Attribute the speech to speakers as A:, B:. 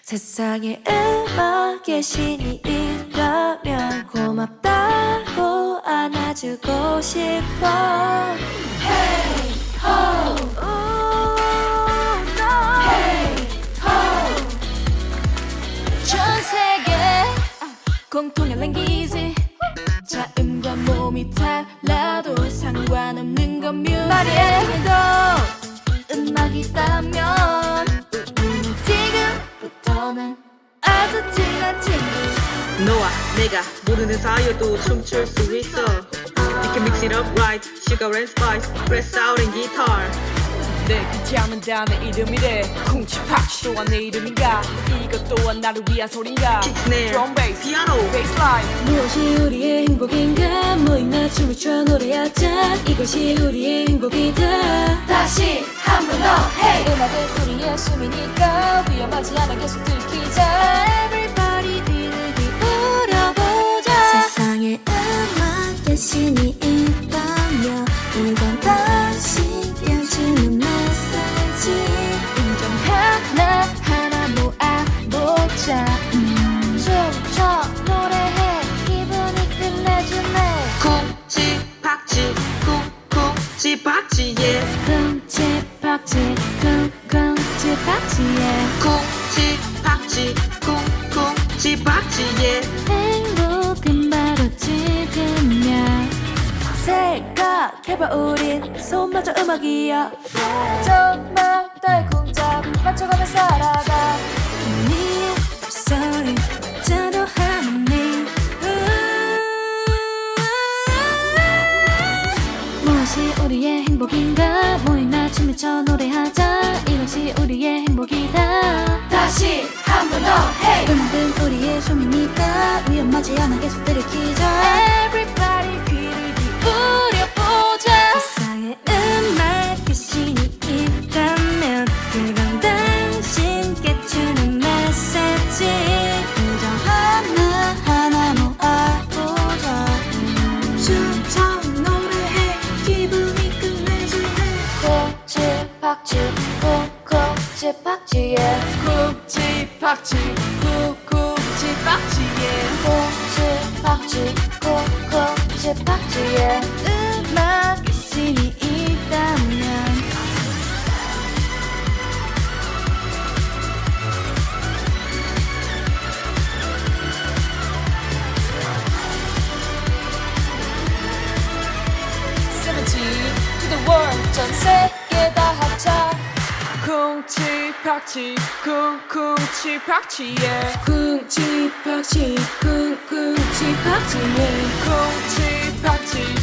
A: 세상에 음악의 신이 있다면 고맙다고 안아주고 싶어. Hey ho, ooh, no. Hey ho. 전 세계 공통의 랭귀지. 자음과 몸이 달라도 상관없는 건 뮤직. 말해도 음악이 있다면 지금부터는 아주 친한 친구.
B: 너와 내가 모르는 사이여도 춤출 수 있어. You can mix it up right, sugar and spice, press out and guitar.
C: 내 귀찮은 다내 이름이래. 쿵치팍치 또한 내 이름인가. 이것 또한 나를 위한 소린가.
B: Kick, snare,
C: Drum bass,
B: piano,
C: bassline.
A: 무엇이 우리의 행복인가. 모임나 춤을 춰 노래하자. 이것이 우리의 행복이다. 다시 한 번 더. Hey. 음악은 우리의 숨이니까 위험하지 않아 계속 들키자. Everybody 귀를 기울여보자. 세상에 음악의 신이 있다면 이건 당신 껴주는 메시지. 인정 하나하나 모아보자. 춤춰 노래해 기분이 끝내주네.
B: 쿵치팍치, 쿵쿵치팍치, yeah.
A: 쿵치팍치 쿵쿵치팍치에
B: 쿵치팍치, 쿵쿵치팍치, yeah.
A: 행복은 바로 지금이야. 생각해봐 우린 손마저 음악이야. 정말 달쿵잡 맞춰가며 살아가. 네 목소리 자도 하니. 무엇이 우리의 행복인가. 모임나 춤을 춰 노래하자. 이것이 우리의 행복이다. 다시 한 번 더. Hey. 음악은 우리의 숨이니까 위험하지 않아 계속 들키자. Everybody 귀를 기울여보자. 세상에 음악의 신이 있다면 그건 당신께 주는 메시지. 우정 하나하나 모아보자. 춤춰 노래해 기분이 끝내주네. 쿵치팍치 쿵쿵치팍치에
C: 쿵치팍치 쿵쿵치팍치에
A: 쿵치팍치 쿵쿵치팍치에 음악의 신이 있다면.
C: to the world. 전 세계 다 합쳐. 쿵치팍치 쿵쿵치팍치에
A: 쿵치팍치 쿵쿵치팍치에
C: 쿵치팍치